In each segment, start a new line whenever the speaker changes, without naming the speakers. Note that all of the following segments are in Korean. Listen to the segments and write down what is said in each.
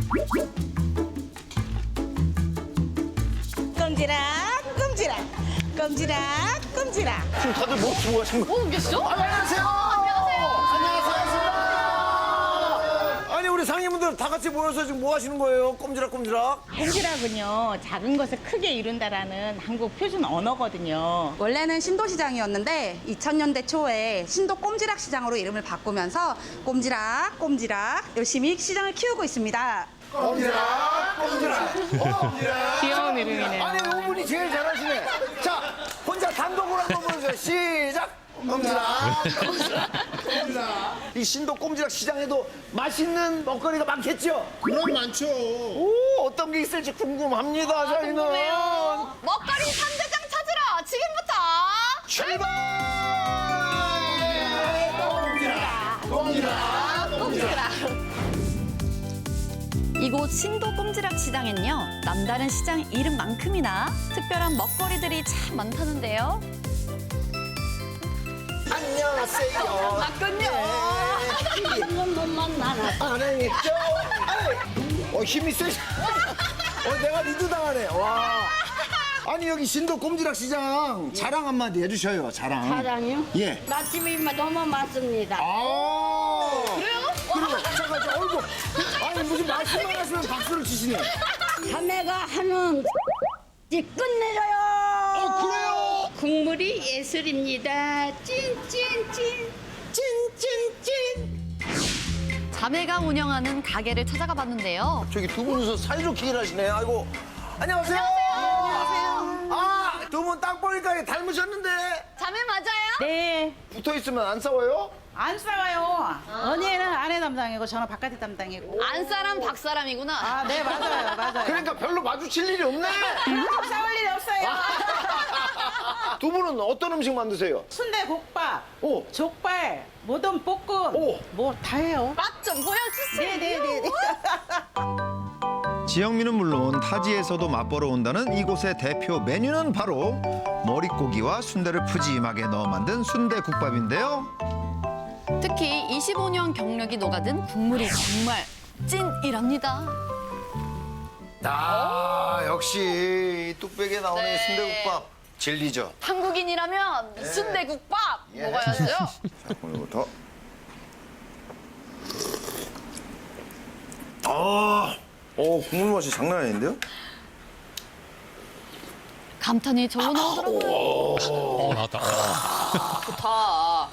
꼼지락 꼼지락 꼼지락 꼼지락.
지금 다들 뭐 주고 가신 거예요?
뭐 계시죠?
안녕하세요. 안녕하세요. 아니 우리 상인분들 다 같이 모여서 지금 뭐 하시는 거예요? 꼼지락꼼지락.
꼼지락은요, 작은 것을 크게 이룬다라는 한국 표준 언어거든요.
원래는 신도시장이었는데 2000년대 초에 신도 꼼지락 시장으로 이름을 바꾸면서 꼼지락 꼼지락 열심히 시장을 키우고 있습니다.
꼼지락.
귀여운 이름이네요.
아니 이분이 제일 잘하시네. 자 혼자 단독으로 한번 보여주세요. 시작. 꼼지락. 이 신도 꼼지락 시장에도 맛있는 먹거리가 많겠죠?
그럼 많죠.
오 어떤 게 있을지 궁금합니다. 저희는
먹거리 3대장 찾으러 지금부터
출발.
꼼지락.
이곳 신도 꼼지락 시장엔요, 남다른 시장 이름만큼이나 특별한 먹거리들이 참 많다는데요.
안녕하세요.
맞군요.
안녕했죠? 힘이 세시. 내가 리드 당하네. 와. 아니 여기 신도 꼼지락 시장 자랑 한마디 해주셔요. 자랑.
사장이요?
예.
맛집이 너무 많습니다.
아. 그래요? 그리고 잠깐 얼굴. 아니 무슨 말씀만 하시면 박수를 치시네.
자매가 하는 끝내줘요.
그래요?
국물이 예술입니다. 찐찐찐 찐찐찐.
자매가 운영하는 가게를 찾아가 봤는데요.
저기 두 분이서 사이좋게 일하시네. 아이고. 안녕하세요. 아, 두 분 딱 보니까 닮으셨는데
자매 맞아요?
네,
붙어 있으면 안 싸워요?
안 싸워요. 언니는 아내 담당이고 저는 바깥에 담당이고.
안사람 박사람이구나.
아, 네, 맞아요, 맞아요.
그러니까 별로 마주칠 일이 없네.
싸울 일이 없어요.
두 분은 어떤 음식 만드세요?
순대국밥,
오.
족발, 모든 볶음,
오.
뭐 다 해요.
맛 좀 보여주세요.
네네네.
지영민은 물론 타지에서도 맛보러 온다는 이곳의 대표 메뉴는 바로 머릿고기와 순대를 푸짐하게 넣어 만든 순대국밥인데요.
특히 25년 경력이 녹아든 국물이 정말 찐이랍니다.
아, 역시 이 뚝배기에 나오는
네.
순대국밥 진리죠.
한국인이라면 순대국밥
예.
먹어야죠.
자, 오늘부터. 국물 맛이 장난 아닌데요?
감탄이 절로 나오더라고요.
나왔다.
좋다.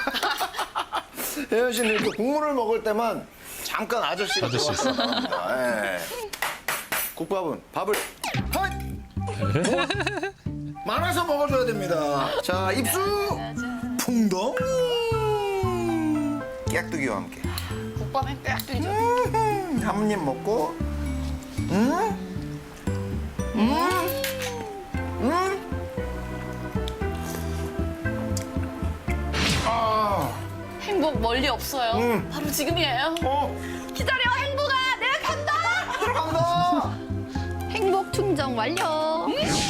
혜연 씨는 이렇게 국물을 먹을 때만 잠깐 아저씨가
아저씨 있어.
들어왔습니다. 예. 국밥은 밥을 헛! 말아서 먹어줘야 됩니다. 자, 입수! 풍덩! 깨깍두기와 함께.
국밥엔 꽤 끓이죠.
한 입 먹고
행복 멀리 없어요. 바로 지금이에요. 기다려 행복아, 내가 간다.
들어간다!
행복 충전 완료.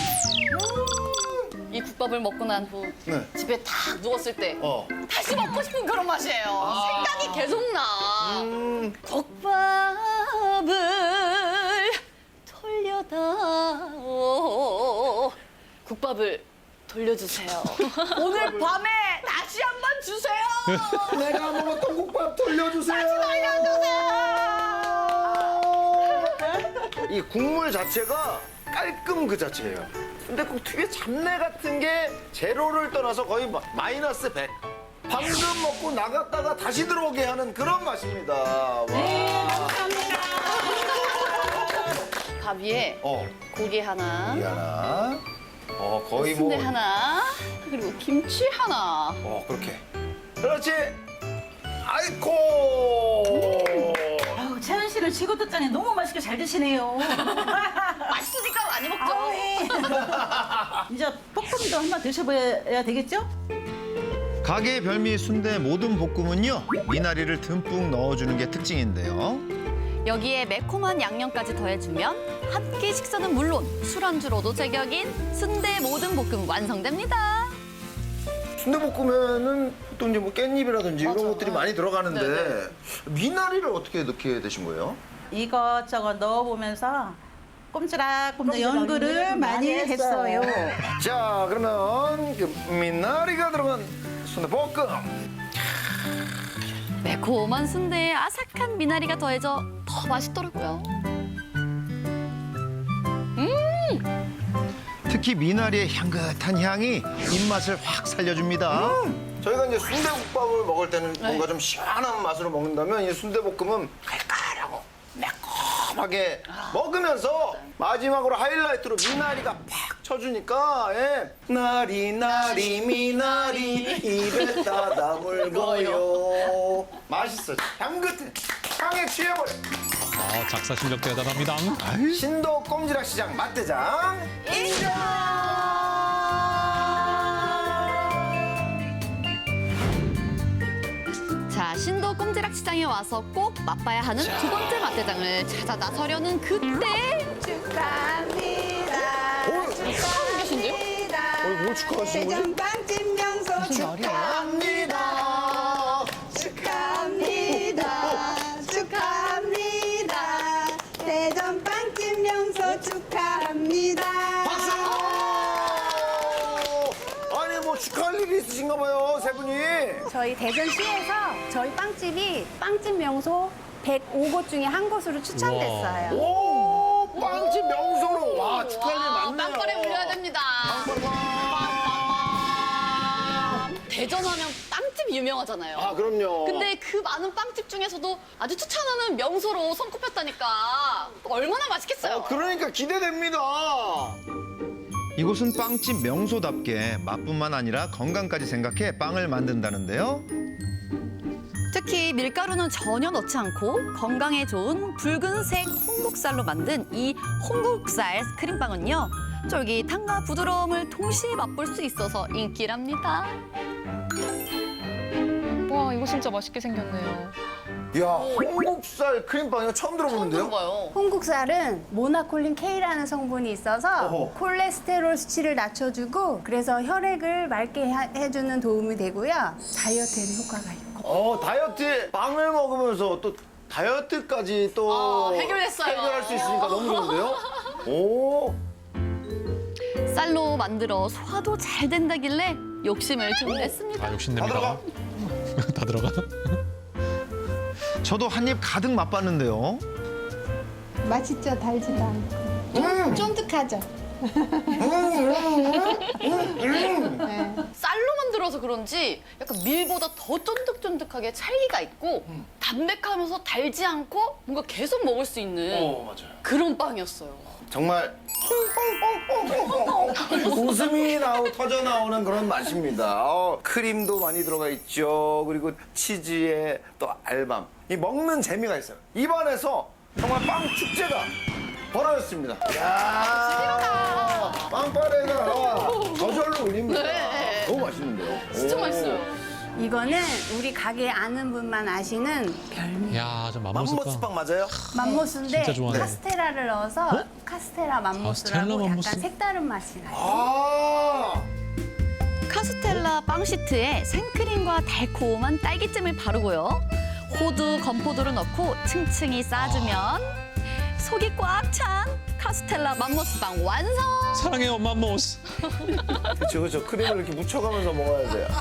이 국밥을 먹고 난 후
네.
집에 딱 누웠을 때
어.
다시 먹고 싶은 그런 맛이에요. 생각이 계속 나. 국밥을 돌려다오. 국밥을 돌려주세요. 오늘 밤에 다시 한 번 주세요.
내가 먹었던 국밥 돌려주세요. 이 국물 자체가 깔끔 그 자체예요. 근데 꼭 특유의 잡내 같은 게 제로를 떠나서 거의 마이너스 100. 방금 먹고 나갔다가 다시 들어오게 하는 그런 맛입니다. 와.
밥 위에 고기 하나,
하나. 거의
순대
뭐.
하나, 그리고 김치 하나.
그렇게. 그렇지. 아이코.
아우, 채연 씨는 최고 듣자니 너무 맛있게 잘 드시네요.
맛있으니까 많이 먹죠.
이제 볶음도 한번 드셔봐야 되겠죠?
가게의 별미 순대 모든 볶음은요, 미나리를 듬뿍 넣어주는 게 특징인데요.
여기에 매콤한 양념까지 더해주면 한 끼 식사는 물론 술안주로도 제격인 순대 모든 볶음 완성됩니다.
순대볶음에는 보통 이제 뭐 깻잎이라든지 이런
맞아요.
것들이 많이 들어가는데
네네.
미나리를 어떻게 넣게 되신 거예요?
이것저것 넣어보면서 꼼지락꼼지락 연구를 많이 했어요.
자, 그러면 그 미나리가 들어간 순대볶음.
매콤한 순대에 아삭한 미나리가 더해져 더 맛있더라고요.
특히 미나리의 향긋한 향이 입맛을 확 살려줍니다.
저희가 이제 순대국밥을 먹을 때는 뭔가 좀 시원한 맛으로 먹는다면 이 순대볶음은 칼칼하고 매콤하게 먹으면서 마지막으로 하이라이트로 미나리가 팍 쳐주니까 예. 나리 미나리 입에 따다 물고요. 맛있어. 향긋해. 향에 취해버려.
작사 실력 대단합니다.
신도 꼼지락 시장 맛대장
자, 신도 꼼지락 시장에 와서 꼭 맛봐야 하는 두 번째 맛대장을 찾아 나서려는 그때
축하합니다.
계신데요?
뭘 축하하시는 거지?
대전빵집 명소 축하합니다. 축하합니다. 축하합니다. 대전빵집 명소 축하합니다.
박수! 아니 뭐 축하할 일이 있으신가 봐요 세 분이.
저희 대전시에서 저희 빵집이 빵집 명소 105곳 중에 한 곳으로 추천됐어요.
오 빵집 명소로 와 축하할 일 많네요.
빵거리 올려야 됩니다. 대전하면 빵집 유명하잖아요.
아 그럼요.
근데 그 많은 빵집 중에서도 아주 추천하는 명소로 손꼽혔다니까 얼마나 맛있겠어요.
그러니까 기대됩니다.
이곳은 빵집 명소답게 맛뿐만 아니라 건강까지 생각해 빵을 만든다는데요.
특히 밀가루는 전혀 넣지 않고 건강에 좋은 붉은색 홍국살로 만든 이 홍국살 크림빵은요. 쫄깃함과 부드러움을 동시에 맛볼 수 있어서 인기랍니다.
와 이거 진짜 맛있게 생겼네요.
이야 홍국살 크림빵이요 처음 들어보는데요.
봐요.
홍국살은 모나콜린 K라는 성분이 있어서
어허.
콜레스테롤 수치를 낮춰주고 그래서 혈액을 맑게 해주는 도움이 되고요. 다이어트에도 효과가 있고.
다이어트 빵을 먹으면서 또 다이어트까지 또
해결했어요.
해결할 수 있으니까 너무 좋은데요. 오.
쌀로 만들어 소화도 잘 된다길래 욕심을 좀 냈습니다.
욕심냅니다. 다 들어가.
저도 한 입 가득 맛봤는데요.
맛있죠? 달지도 않고. 쫀득하죠?
쌀로 만들어서 그런지 약간 밀보다 더 쫀득쫀득하게 찰기가 있고 담백하면서 달지 않고 뭔가 계속 먹을 수 있는
맞아요.
그런 빵이었어요.
정말 웃음이 터져 나오는 그런 맛입니다. 크림도 많이 들어가 있죠. 그리고 치즈에 또 알밤. 이 먹는 재미가 있어요. 입안에서 정말 빵 축제가 벌어졌습니다. 이야, 빵빠레가 저절로 울립니다.
네.
너무 맛있는데요.
진짜
오.
맛있어요.
이거는 우리 가게 아는 분만 아시는
야, 저
맘모스빵 맞아요?
맘모스인데
진짜 좋아하네.
카스테라를 넣어서 카스테라 맘모스라고
카스텔라 맘모스?
약간 색다른 맛이 나요.
아,
카스텔라 빵 시트에 생크림과 달콤한 딸기잼을 바르고요. 호두, 건포도를 넣고 층층이 쌓아주면 속이 꽉 찬 카스텔라 맘모스빵 완성!
사랑해요, 맘모스.
그렇죠. 크림을 이렇게 묻혀가면서 먹어야 돼요.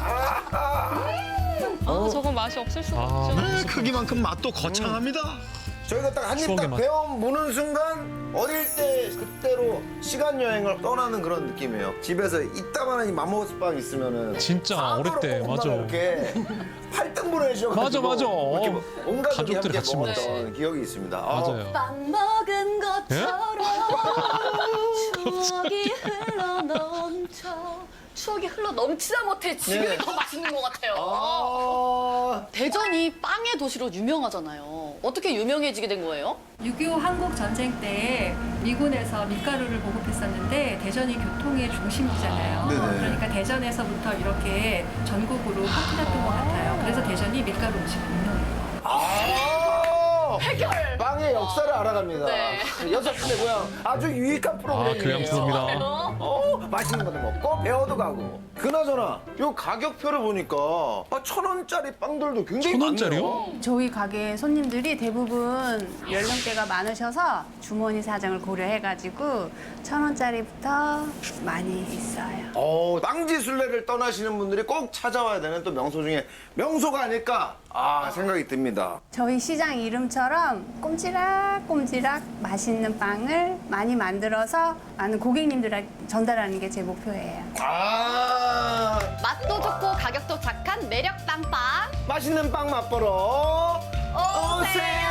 저건 맛이 없을 수가 없죠.
네, 크기만큼 맛도 거창합니다.
저희가 딱 한 입
추억의
딱
맛.
베어 무는 순간 어릴 때 그때로 시간 여행을 떠나는 그런 느낌이에요. 집에서 이따만한 이 맘모스빵 있으면은
진짜
사부로
어릴 때,
엄마가
맞아.
이렇게 8등분을 해주셔가지고
맞아.
이렇게 온 가족이
가족들이
함께
같이
먹었던
먹었어.
기억이 있습니다.
맞아요.
빵 먹은 것처럼
예?
추억이 흘러 넘쳐.
추억이 흘러 넘치다 못해 지금이
네.
더 맛있는 것 같아요.
아,
대전이 빵의 도시로 유명하잖아요. 어떻게 유명해지게 된 거예요?
6.25 한국 전쟁 때 미군에서 밀가루를 보급했었는데 대전이 교통의 중심지잖아요.
네네.
그러니까 대전에서부터 이렇게 전국으로 퍼뜨렸던 것 같아요. 그래서 대전이 밀가루 음식이 유명해요.
통해서 빵의 역사를 알아갑니다.
네.
6분의 고향 아주 유익한 프로그램이에요.
교양 프로입니다.
맛있는 것도 먹고 배워도 가고. 그나저나 요 가격표를 보니까 1,000원짜리 빵들도 굉장히
1,000원짜리요?
많네요.
저희 가게 손님들이 대부분 연령대가 많으셔서 주머니 사정을 고려해가지고 1,000원짜리부터 많이 있어요.
빵지순례를 떠나시는 분들이 꼭 찾아와야 되는 또 명소 중에 명소가 아닐까 생각이 듭니다.
저희 시장 이름처럼 꼼지락꼼지락 맛있는 빵을 많이 만들어서 많은 고객님들에게 전달하는 게 제 목표예요.
맛도 좋고 가격도 착한 매력 빵빵.
맛있는 빵 맛보러 오세요.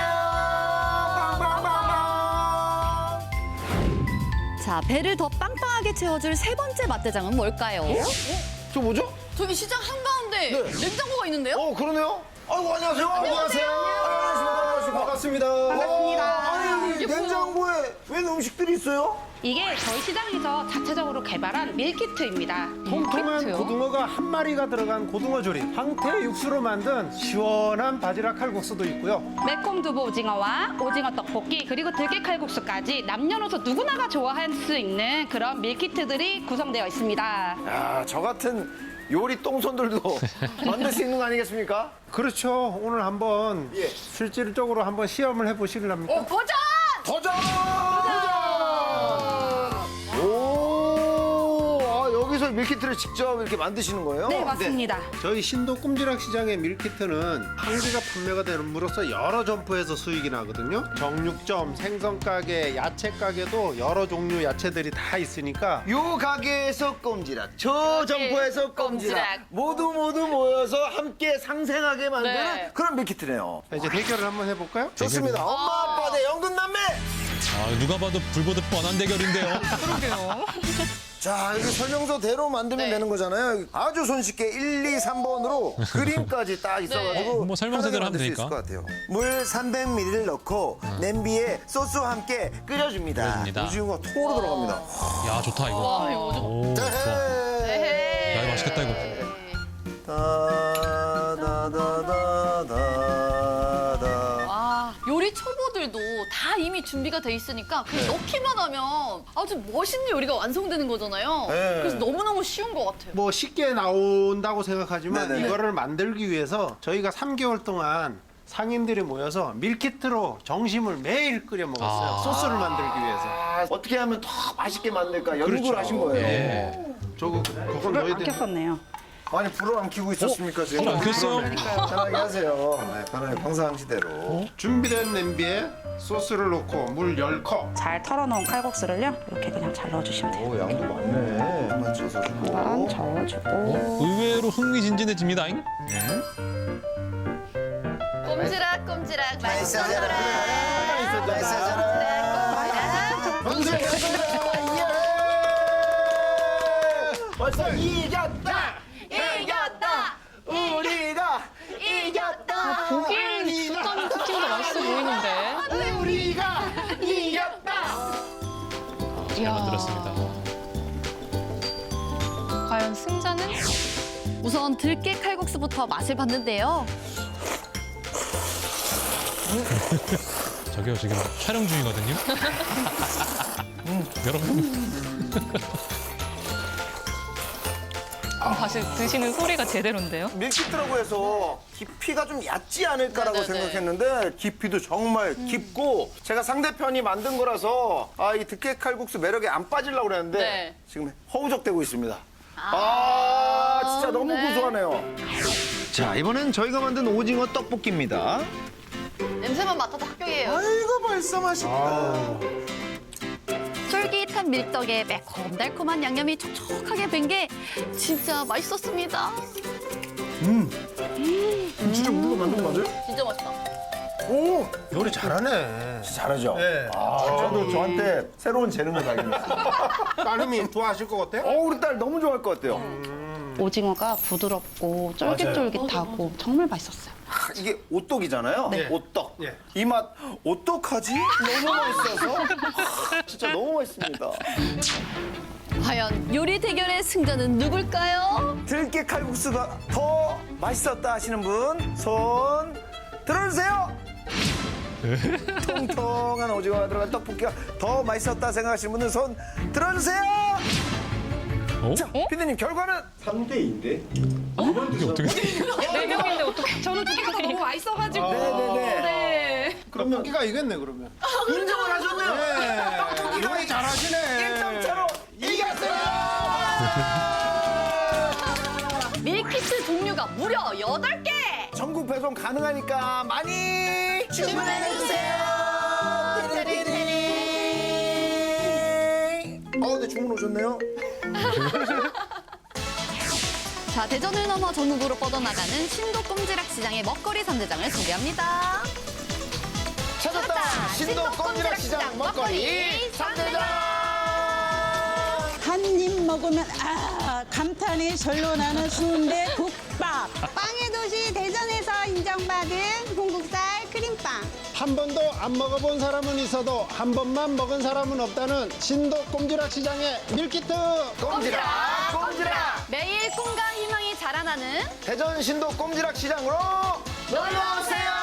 빵빵빵빵.
자, 배를 더 빵빵하게 채워줄 세 번째 맛대장은 뭘까요?
저 뭐죠?
저기 시장 한가운데
네.
냉장고가 있는데요?
그러네요. 아이고 안녕하세요. 안녕하세요. 반갑습니다. 아니 냉장고에 웬 음식들이 있어요?
이게 저희 시장에서 자체적으로 개발한 밀키트입니다.
통통한 고등어가 한 마리가 들어간 고등어 조림, 황태 육수로 만든 시원한 바지락 칼국수도 있고요.
매콤 두부 오징어와 오징어 떡볶이 그리고 들깨 칼국수까지 남녀노소 누구나가 좋아할 수 있는 그런 밀키트들이 구성되어 있습니다.
야, 저 같은 요리 똥손들도 만들 수 있는 거 아니겠습니까?
그렇죠. 오늘 한번
예.
실질적으로 한번 시험을 해보시렵니까?
도전!
도전! 오, 여기서 밀키트를 직접 이렇게 만드시는 거예요?
네, 맞습니다.
저희 신도 꼼지락 시장의 밀키트는 한 개가 판매가 되는으로써 여러 점포에서 수익이 나거든요. 정육점, 생선가게, 야채가게도 여러 종류 야채들이 다 있으니까
요 가게에서 꼼지락, 저 점포에서 꼼지락, 모두 모여서 함께 상생하게 만드는
네.
그런 밀키트네요.
자, 이제 대결을 한번 해볼까요?
좋습니다. 엄마 아빠 대 연근남매.
누가 봐도 불보듯 뻔한 대결인데요.
자, 이렇게 설명서대로 만들면
네.
되는 거잖아요. 아주 손쉽게 1, 2, 3번으로 그림까지 딱 있어가지고
뭐 설명서대로 하면
편하게 만들 수
되니까.
있을 것 같아요. 물 300ml를 넣고 냄비에 소스와 함께 끓여줍니다.
끓여줍니다.
오징어가 통으로 들어갑니다.
야, 좋다, 이거.
와, 이거
오, 좋아. 야, 이거 맛있겠다, 이거.
와, 요리 초보들도 다 이미 준비가 돼 있으니까 그냥 넣기만 하면 아주 멋있는 요리가 완성되는 거잖아요.
네.
그래서 너무너무 쉬운 것 같아요.
뭐 쉽게 나온다고 생각하지만
네네네.
이거를 만들기 위해서 저희가 3개월 동안 상인들이 모여서 밀키트로 정심을 매일 끓여 먹었어요. 소스를 만들기 위해서.
어떻게 하면 더 맛있게 만들까 연구를
그렇죠.
하신 거예요.
예. 저거 그건 넣어야 돼.
켰었네요.
아니 불을 안 켜고 있었습니까 지금?
불안 켰어요?
편하게 하세요. 네, 편하게 평상시대로.
준비된 냄비에 소스를 넣고 물 10컵.
잘 털어놓은 칼국수를요. 이렇게 그냥 잘 넣어주시면 돼요.
오 양도 많네. 맞춰서 주고.
한번 저어주고.
의외로 흥미진진해집니다잉.
꼼지락 맛있어져라.
벌써 이겼다. 우리가 이겼다.
보기엔 국감 치킨도 맛있어 보이는데.
우리가 이겼다.
잘 만들었습니다.
과연 승자는?
우선 들깨 칼국수부터 맛을 봤는데요.
저기요, 지금 촬영 중이거든요. 여러분.
다시 드시는 소리가 제대로인데요?
밀키트라고 해서 깊이가 좀 얕지 않을까라고
네네네.
생각했는데 깊이도 정말 깊고 제가 상대편이 만든 거라서 이 들깨 칼국수 매력에 안 빠지려고 그랬는데
네.
지금 허우적대고 있습니다. 진짜 너무
네.
고소하네요.
자, 이번엔 저희가 만든 오징어 떡볶이입니다.
냄새만 맡아도 합격이에요.
아이고 벌써 맛있다.
쫄깃한 밀떡에 매콤달콤한 양념이 촉촉하게 밴 게 진짜 맛있었습니다.
진짜 우리가 만든 거 맞아요?
진짜 맛있다.
오,
요리 잘하네.
잘하죠.
네.
저도 저한테 새로운 재능을 발견했어요.
따님이 좋아하실 것 같아요?
우리 딸 너무 좋아할 것 같아요.
오징어가 부드럽고 쫄깃쫄깃하고 정말 맛있었어요.
이게 오떡이잖아요.
네.
오떡.
예.
이 맛 어떡하지? 너무 맛있어서 진짜 너무 맛있습니다.
과연 요리 대결의 승자는 누굴까요?
들깨 칼국수가 더 맛있었다 하시는 분 손 들어주세요. 통통한 오징어가 들어간 떡볶이가 더 맛있었다 생각하시는 분들 손 들어주세요.
어?
자, 피디님 결과는
3대2인데?
이게 어떻게?
네 명인데 어떻게? 저는 두 개가 너무 맛있어가지고.
네네네.
네.
그럼 떡볶이가 이겼네 그러면.
인정을 하셨네요.
네.
떡볶이가
요리 잘하시네.
1점 차로 이겼어요.
밀키트 종류가 무려 8개.
전국 배송 가능하니까 많이 주문해주세요. 네, 주문 오셨네요.
자, 대전을 넘어 전국으로 뻗어나가는 신도 꼼지락 시장의 먹거리 3대장을 소개합니다.
찾았다. 신도 꼼지락 시장 먹거리 3대장.
한 입 먹으면 감탄이 절로 나는 순대 국밥.
빵의 도시 대전에서 인정받은 홍국살 크림빵.
한 번도 안 먹어본 사람은 있어도 한 번만 먹은 사람은 없다는 신도 꼼지락 시장의 밀키트.
꼼지락 꼼지락.
매일 꿈과 희망이 자라나는
대전 신도 꼼지락 시장으로 놀러오세요.